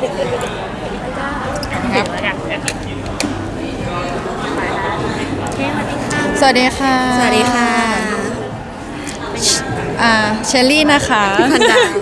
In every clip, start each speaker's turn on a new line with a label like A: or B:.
A: ครับสวัสดีค่ะ
B: สวัสดีค่ะ
A: เชลลี่นะคะ
B: พันดาว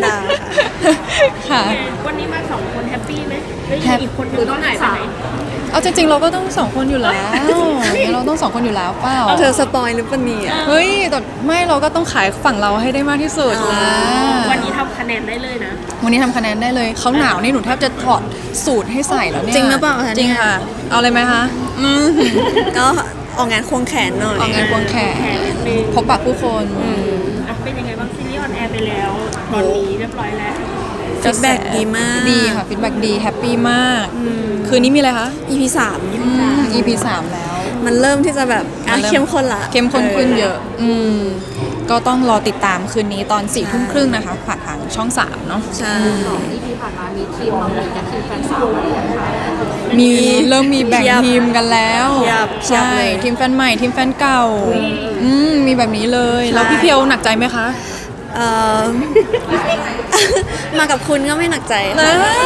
B: ค่ะ
A: ค่ะ
C: วันนี้มา2 คนแฮปปี้ไหมแล้วยังมีอีกคนนึงต้องหายไปไหน
A: เอาจริงๆเราก็ต้อง2 คนอยู่แล้วเราต้อง2 คนอยู่แล้วเปล่า
B: เธอสปอยหรือเปล่าเนี่ย
A: เฮ้ยแต่ไม่เราก็ต้องขายฝั่งเราให้ได้มากที่สุดนะ
C: วันนี้ทำคะแนนได้เลยนะ
A: วันนี้ทำคะแนนได้เลยเขาหนาวนี่หนูแทบจะถอดสูตรให้ใส่แล้วเนี่ย
B: จริงหรือเปล่าคะ
A: จริง
B: เนี่ย
A: ค่ะ เอาเลยไหมคะ
B: ก็ออกงานควงแขนหน่อย
A: ออกงานควงแขนพบปะผู้คน
C: อ่ะเป็นยังไงบ้างซีรีส์ออนแอร์ไปแล้ว ตอนนี้เรียบร้อยแล้ว
B: ฟีดแบ็กดีมาก
A: ดีค่ะฟีดแบ็กดีแฮปปี้มากคืนนี้มีอะไรคะ
B: EP
A: EP 3แล้ว
B: มันเริ่มที่จะแบบเข้มข้นละ
A: เข้มข้นขึ้นเยอะก็ต้องรอติดตามคืนนี้ตอน4:30นะคะผ่านทางช่อง 3 เนาะ
B: ใช่
C: ที่ผ่านมามีทีมมังมีกับทีมแฟนสาวอะไรอย่างเงี้ย
A: มีเริ่มมีแบ่งทีมกันแล้ว
B: เพียบ
A: ใช่
B: เลย
A: ทีมแฟนใหม่ทีมแฟนเก่ามีแบบนี้เลย แล้วพี่เพียวหนักใจไหมคะ
B: เอ่อ มากับคุณก็ไม่หนักใจ
A: นะ
B: ค่ะ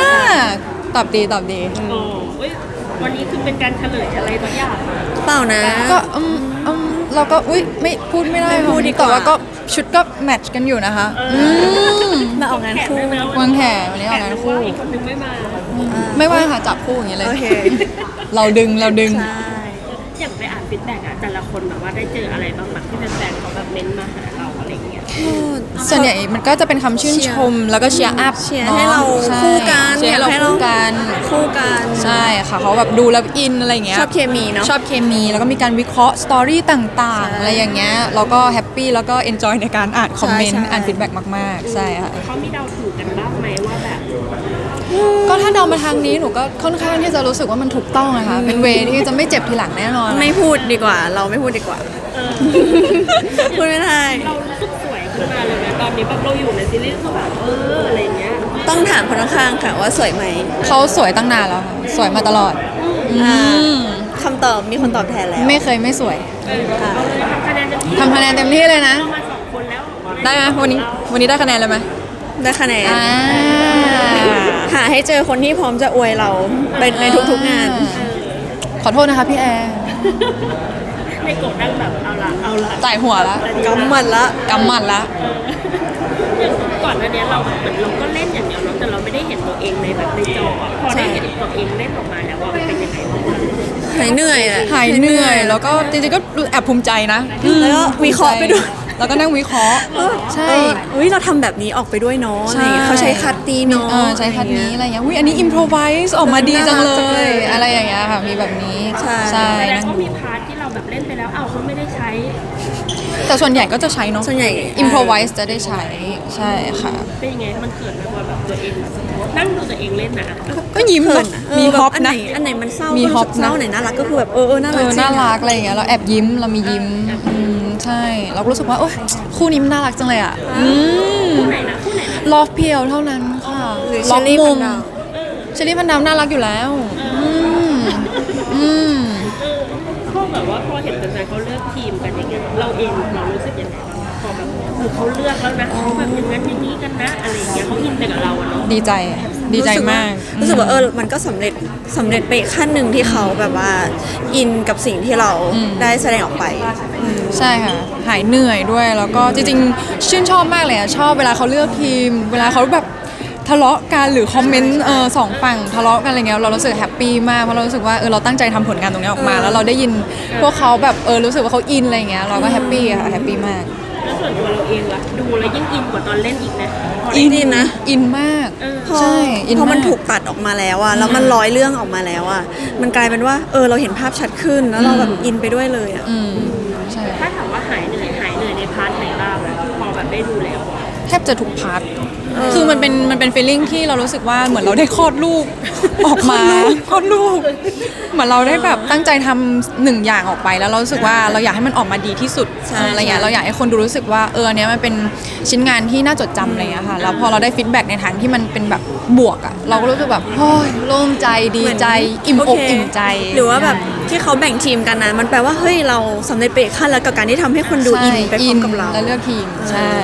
A: ตอบดีตอบดี
C: โอ้ยวันนี้คือเป็นการเฉลยอะไรตัวอย่าง
B: เปล่านะ
A: ก็เราก็อุ๊ยไม่พูดไม่ได้
B: ไม่พูดดีกว่า
A: แต่ว่าก็ชุดก็แมทช์กันอยู่นะคะม
B: มาออกงานคู่
A: วางแขนวันนี้ออกงานคู่
C: อีกคนนึงไม่มา
A: ไม่ว่าค่ะจับคู่อย่างนี้เลย
B: โอเค
A: เราดึง
B: ใช่
C: อย่างไปอ่านฟีดแบ็กอะแต่ละคนแบบว่าได้เจออะไรบ้างแบบที่แฟนๆเขาแบบเม้นต์มาหาเราอะไรเงี้ย
A: ส่วนใหญ่มันก็จะเป็นคำชื่นชมแล้วก็เชียร์อัพ
B: เชียร์ให้เราคู่กัน
A: เชียร์ให้เรา
B: อยากให้เรา
A: คู่กัน
B: คู่กัน
A: ใช่ค่ะเขาแบบดูแล้วอินอะไรอย่างเงี้ย
B: ชอบเคมีเนาะ
A: ชอบเคมีแล้วก็มีการวิเคราะห์สตอรี่ต่างๆ
B: ใช่
A: อะไรอย่างเงี้ยเราก็แฮปปี้แล้วก็เอนจอยในการอ่านคอมเมนต์
B: ใช่
A: อ่านฟีดแบ็กมากๆ ใช่ค่ะ
C: เขามีเดาถูกกันบ้างไหมว่าแบบ
A: ก็ถ้าเดามาทางนี้หนูก็ค่อนข้างที่จะรู้สึกว่ามันถูกต้องนะคะเป็นเวที่จะไม่เจ็บทีหลังแน่นอน
B: ไม่พูดดีกว่า เราไม่พูดดีกว่า พูดไม่ได้
C: เรารู้สึกสวยขึ้นมาเลยนะตอนนี้แบบเราอยู่ในซีรีส์คือแบบอะไรเงี้ย
B: ต้องถามคนข้างๆค่ะว่าสวยไหม
A: เขาสวยตั้งนานแล้วค่ะสวยมาตลอด
B: อ่าคำตอบมีคนตอบแทนแล้ว
A: ไม่เคยไม่สวย
C: เอาเลยทำคะแนนเต็มที่
A: ทำคะแนนเต็มที่เลยนะ
C: เรามา2 คนแล้ว
A: ได้ไหมวันนี้ได้คะแนนเลยไหม
B: ได้คะแนน
A: อ่า
B: หาให้เจอคนที่พร้อมจะอวยเราเป็นในทุกๆงาน
A: ขอโทษนะคะพี่แอร์
C: ในโกดนั่งแบบเอาละ
A: จ่ายหัวละ
B: กำหมัดละ
A: กำหมัดละ
C: อย่างก่อนหน้านี้เราเหมือนเราก็เล่นอย่างเดียวเนาะแต่เราไม่ได้เห็นตัวเองในแบบในจออะพอได้เห็นตัวเองเล่นออกมาแล้วว่ามันเป็นยังไงบ้าง
B: หายเหนื่อยอะ
A: หายเหนื่อยแล้วก็จริงๆก็แอบภูมิใจนะ
B: แล้วก็วิเคราะห์ไปด้วย
A: แล้วก็นั่งวิเคราะห์ใช่
B: อุ้ยเราทำแบบนี้ออกไปด้วยเนาะ
A: ใช่
B: อะไรอย่างเงี้ยเขาใช้คัดดีเนาะ
A: ใช้คัดนี้อะไรอย่างเงี้ยอุ้ยอันนี้อิมพรไวส์ออกมาดีจังเล
B: น่ารักจังเลย ย
A: อะไรอย่างเงี้ยค่ะมีแบบนี้
B: ใช่
A: ใช่
C: แสดง
A: นั่ง
C: ว่ามีพาร์ทที่เราแบบเล่นไปแล้วเขาไม่ได้ใช้
A: แต่ส่วนใหญ่ก็จะใช้เนาะ
B: ส่วนใหญ่
A: อิมพรไวส์จะได้ใช้ใช่ค่ะ
C: เป็นยังไงมันเขินไหมว่าแบบตัวเองนั่งดูตัวเองเล่นนะ
A: ก็ยิ้ม
B: เขิน
A: นะ
B: อะ
A: มีฮอป
B: อันไห
A: นะ
B: อันไหนมันเศร้า
A: มี
B: ก็รู้สึก
A: ฮอปนะ
B: เศร้าไหนน่ารักก็คือแบบน่ารักจริง
A: น่ารักอะไรอย่างเงี้ยเราแอบยิ้มเรามียิ้มใช่เราก็รู้สึกว่าโอ๊ยคู่นี้มันน่ารักจังเลยอ่ะ
C: คู่ไหนนะ
A: ลอฟเพียวเท่านั้นค่ะ
B: หรือ
A: ล็
B: เช
A: อ
B: อก รี่
A: มุ
B: พัน
A: ม
B: ดาว
A: เชอรี่พันดาวน่ารักอยู่แล้วอืม
C: พวกแบบว่าพอเห็นแฟนๆเขาเลือกทีมกันอย่างเงี้ยเราเองเรารู้สึกยังไงบ้างพอแบบเขาเลือกแล้วนะเขาแบบอย่างนั้นอย่างนี้กันนะอะไรอย่างเงี้ยเขาอินไปกับเราอะเนาะ
A: ดีใจดีใจมาก
B: รู้สึกว่ามันก็สำเร็จไปอีกขั้นหนึ่งที่เขาแบบว่าอินกับสิ่งที่เราได้แสดงออกไป
A: ใช่ค่ะหายเหนื่อยด้วยแล้วก็จริงๆชื่นชอบมากเลยอะชอบเวลาเขาเลือกทีม เวลาเขาแบบทะเลาะกันหรือคอมเมนต์สองฝั่งทะเลาะกันอะไรเงี้ยเรารู้สึกแฮปปี้มากเพราะเรารู้สึกว่าเราตั้งใจทำผลงานตรงนี้ออกมา แล้วเราได้ยินพวกเขาแบบรู้สึกว่าเขาอินอะไรเงี้ยเราก็แฮปปี้ค่ะแฮปปี้มาก
C: แล้วส่วนตัวเราเองล่ะดูแล้วยิ่งอินกว่าตอนเล่นอีกนะพอได้
B: อินนะ
A: อินมาก
B: พอ
A: ใช่อิน
B: พอมัน
A: าก
B: ถูกตัดออกมาแล้วอะแล้วมันร้อยเรื่องออกมาแล้วอะมันกลายเป็นว่าเราเห็นภาพชัดขึ้นแล้วเราแบบอินไปด้วยเลยอะ
A: ใช่
C: ถ้าถามว่าหายเหนื่อยในพาร์ทไหนบ้างอะพอแบบได้ดูแล้วอะ
A: แทบจะทุกพาร์ทคือมันเป็นฟีลลิ่งที่เรารู้สึกว่าเหมือนเราได้คลอดลูกออกมาคลอดลูกเหมือนเราได้แบบตั้งใจทำหนึ่งอย่างออกไปแล้วเรารู้สึกว่าเราอยากให้มันออกมาดีที่สุดอะไรอย่างเงี้ยเราอยากให้คนดูรู้สึกว่าอันเนี้ยมันเป็นชิ้นงานที่น่าจดจำอะไรอย่างเงี้ยค่ะแล้วพอเราได้ฟีดแบ็กในทางที่มันเป็นแบบบวกอ่ะเราก็รู้สึกแบบโอ้ยโล่งใจดีใจอิ่มอก
B: โเค
A: อิ่มใจ
B: หรือว่าแบบที่เขาแบ่งทีมกันนะมันแปลว่าเฮ้ยเราสำเร็จไปอีกขั้นแล้วกับการที่ทำให้คนดูอินไปพร้อมกับเรา
A: แล้วเลือกทีมใช่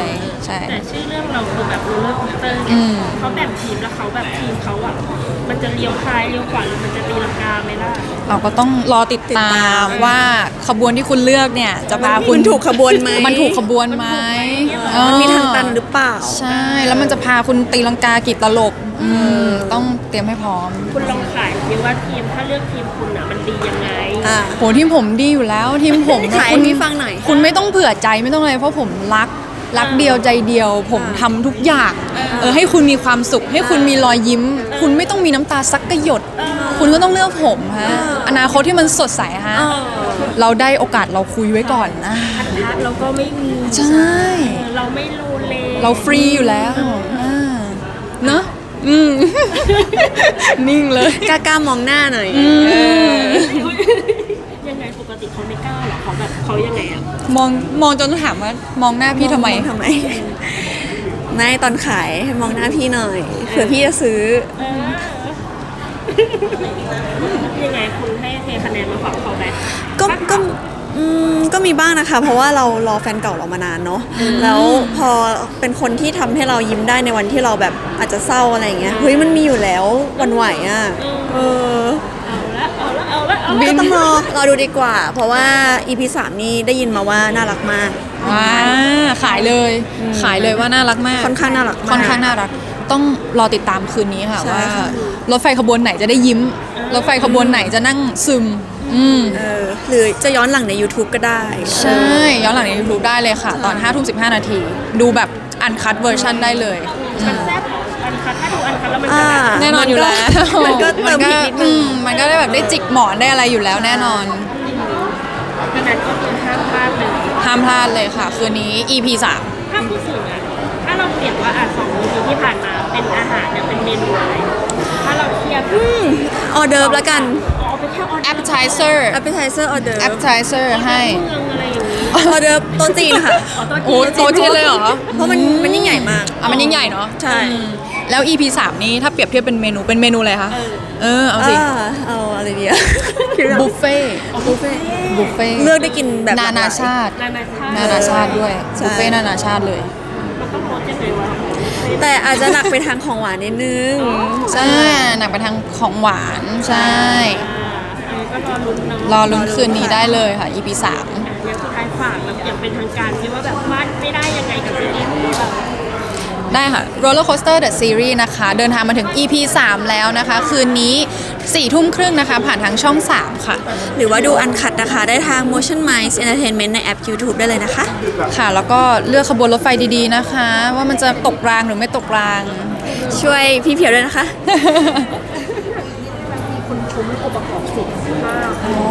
A: ใช่
C: แต่ชื่อเรื่องเราคือแบบโรลเลอร์โคสเตอร์
A: อืม
C: เขาแบ่งทีมแล้วเขาแบบทีมเขาอ่ะมันจะเลี้ยวซ้ายเลี้ยวขวาหรือมันจะตีลังกาไหมล่ะ
A: เราก็ต้องรอติดตามว่าขบวนที่คุณเลือกเนี่ยจะพาคุ
B: มั
A: ณ
B: นถูกขบวนไหม
A: มันถูกขบวนไหม
B: มันมีทางตันหรือเปล่า
A: ใช่ แล้วมันจะพาคุณตีลังกากี่ตลบต้องเตรียมให้พร้อม
C: คุณลองขายดิว่าทีมถ้าเลือกทีมคุณอ่ะมันดียังไง
A: โหทีมผมดีอยู่แล้วทีมผม
B: ขายให้
A: คุณ
B: พี่ฟังหน่อย
A: คุณไม่ต้องเผื่อใจไม่ต้องอะไรเพราะผมรักเดียวใจเดียว ผมทำทุกอย่างให้คุณมีความสุข ให้คุณมีรอยยิ้ม คุณไม่ต้องมีน้ำตาสักกระหยด คุณก็ต้องเลือกผมฮะอนาคตที่มันสดใสฮะเราได้โอกาสเราคุยไว้ก่อนนะ
C: อันทัดเราก็ไม่มี
A: ใช่
C: เราไม่โลเล
A: เราฟรีอยู่แล้วเนอะนิ่งเลย
B: กล้ามองหน้าหน่อย
C: ยังไงปกติเขาไม่กล้าหรอเขาแบบเขายังไงอ่ะ
A: มองจนต้องถามว่ามองหน้าพี่ทำไม
B: ทำไม ไม่ตอนขายให้มองหน้าพี่หน่อยเผื่อพี่จะซื้อ
C: ยังไงคุณให้เทคะแนนมาฝั่งเขาไหม
B: ก็มีบ้างนะคะ เพราะว่าเรารอแฟนเก่าเรามานานเนาะแล้วพอเป็นคนที่ทำให้เรายิ้มได้ในวันที่เราแบบอาจจะเศร้าอะไรอย่างเงี้ยเฮ้ยมันมีอยู่แล้ววันไหวอ่ะ
C: เอาละ
B: ก็ต้องรอดูดีกว่า เพราะว่า EP 3 นี่ได้ยินมาว่าน่ารักมาก
A: ขายเลยว่าน่ารักมาก
B: ค่อนข้างน่ารักมาก
A: ค่อนข้างน่ารัก ต้องรอติดตามคืนนี้ค่ะ
B: ใช่
A: ว่า
B: ค่ะ
A: รถไฟขบวนไหนจะได้ยิ้ม รถไฟขบวนไหนจะนั่งซึม
B: หรือจะย้อนหลังใน YouTube ก็ได้
A: ใช่ ย้อนหลังใน YouTube ได้เลยค่ะ ตอน 5:15 นาที ดูแบบอันคั t เวอร์ชันได้เลย
C: มันแซ่บอันคัดถ้าดูอันคัดแล้วมันจะแบบ
A: แน่นอนอยู่แล้ว
B: มันก็เติมพริกนิดนึง
A: มันก็ได้แบบได้จิกหมอนได้อะไรอยู่แล้วแน่นอน
C: ดังนั้นก็คือห้ามพลาดเลย
A: ห้ามพลาดเลยค่ะ คืนนี้ EP 3
C: ถ้าพูดถึงอ่ะถ้าเราเปลี่ยนว่า2 EP ที่ผ่านมาเป็นอาหารเนี่ยเป็นเมนูอะไรถ้าเราเทียบ
B: ออเดิร์ฟแล้วกัน
C: เอาไปแค่ออเดอร์
A: appetizer
B: appetizer ออเดิร์ฟ
A: appetizer ให้
C: เมืองอะไรอย่างนี้
B: ออเดิร์ฟโต๊ะจีนค่ะ
A: โอ้โต๊ะจีนเลยเหรอ
B: เพราะมันยิ่งใหญ่มาก
A: มันยิ่งใหญ่เนาะ
B: ใช่
A: แล้ว EP 3 นี้ถ้าเปรียบเทียบเป็นเมนูอะไรคะเอาสิ
B: เอาอะไรดีอะ
A: บุฟเฟ่
B: บุฟเฟ่
A: บุฟเฟ่
B: เลือกได้กินแบบ
A: นานาชาติ
C: นานาชาติ
A: ด้วย
B: ใช่
A: บุฟเฟ่นานาชาติเลย
C: มันต้องรสยังไงวะ
B: แต่อาจจะหนักไปทางของหวานนิดนึง
A: ใช่หนักไปทางของหวานใช่
C: ก็รอลุ้นเนาะ
A: รอลุ้นคืนนี้ได้เลยค่ะ EP 3
C: อย่างสุดท้ายฝากแบบอย่างเป็นทางการที่ว่าแบบว่าไม่ได้ยังไงกับซีรีส์นี้แบบ
A: ได้ค่ะ Roller Coaster The Series นะคะ เดินทางมาถึง EP 3 แล้วนะคะ คืนนี้ 4:30 นะคะ ผ่านทางช่อง 3 ค่ะ
B: หรือว่าดูอันคัดนะคะ ได้ทาง Motion Minds Entertainment ในแอป YouTube ได้เลยนะคะ
A: ค่ะ แล้วก็เลือกขบวนรถไฟดีๆนะคะ ว่ามันจะตกรางหรือไม่ตกราง
B: ช่วยพี่เพียวด้วยนะคะ
C: คนคุ้มองค์ประกอบสินมาก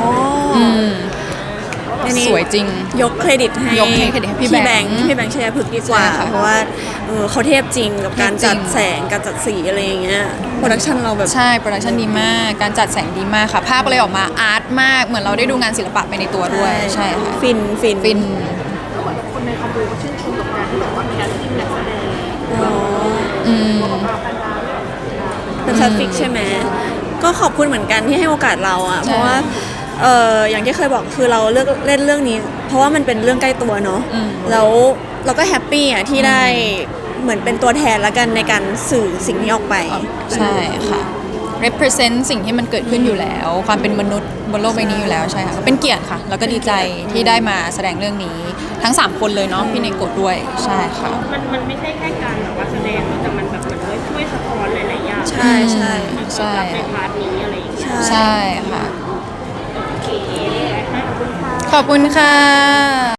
B: อันนี้
A: สวยจริง
B: ยกเครดิตให้
A: ยกเครดิตให้พี่แบงค์
B: พี่แบงค์ชัยพฤกษ์ดีกว่า
A: ใช่ค่ะ
B: เพราะว่าเขาเทพจริงกับการ
A: เทพจริ
B: จั
A: ง
B: ดแสงการจัดสีอะไรอย่างเงี้ยโปรดักชันเราแบบ
A: ใช่ โปรดักชันดีมาก การจัดแสงดีมากค่ะ ภาพก็เลยออกมาอาร์ตมาก เหมือนเราได้ดูงานศิลปะไปในตัวด้วย ใช่ค่ะ
B: ฟิน
A: ฟิน
C: คนในคอมมูก็ชื่นชมกับการที่แบบว่ามีการจิ้มนักแสดง
B: เป็นทราฟิกใช่ไหมก็ขอบคุณเหมือนกันที่ให้โอกาสเราอ่ะ
A: ใช่
B: เพราะว่าอย่างที่เคยบอกคือเราเลือกเล่นเรื่องนี้ เพราะว่ามันเป็นเรื่องใกล้ตัวเนาะแล้วเราก็แฮปปี้อ่ะที่ได้เหมือนเป็นตัวแทนละกันในการสื่อสิ่งนี้ออกไป
A: ใช่ค่ะ represent สิ่งที่มันเกิดขึ้นอยู่แล้ว ความเป็นมนุษย์บนโลกใบนี้อยู่แล้วใช่ค่ะ เป็นเกียรติค่ะ แล้วก็ดีใจที่ได้มาแสดงเรื่องนี้ ทั้ง 3 คนเลยเนาะ พี่เนโกะด้วย ใช่ค่ะ
C: มันไม่ใช่แค่การแบบว่าแสดงแต่มันแบบเหมือนว่าช่วยสะท้อนหลายๆอย่าง
B: ใช่ใช่
A: ใช่
C: ในพาร์ทนี้อะไรอย่างเงี้ย
A: ใช่ค่ะ
C: โอเคขอบคุณค่ะ
A: ขอบคุณค่ะ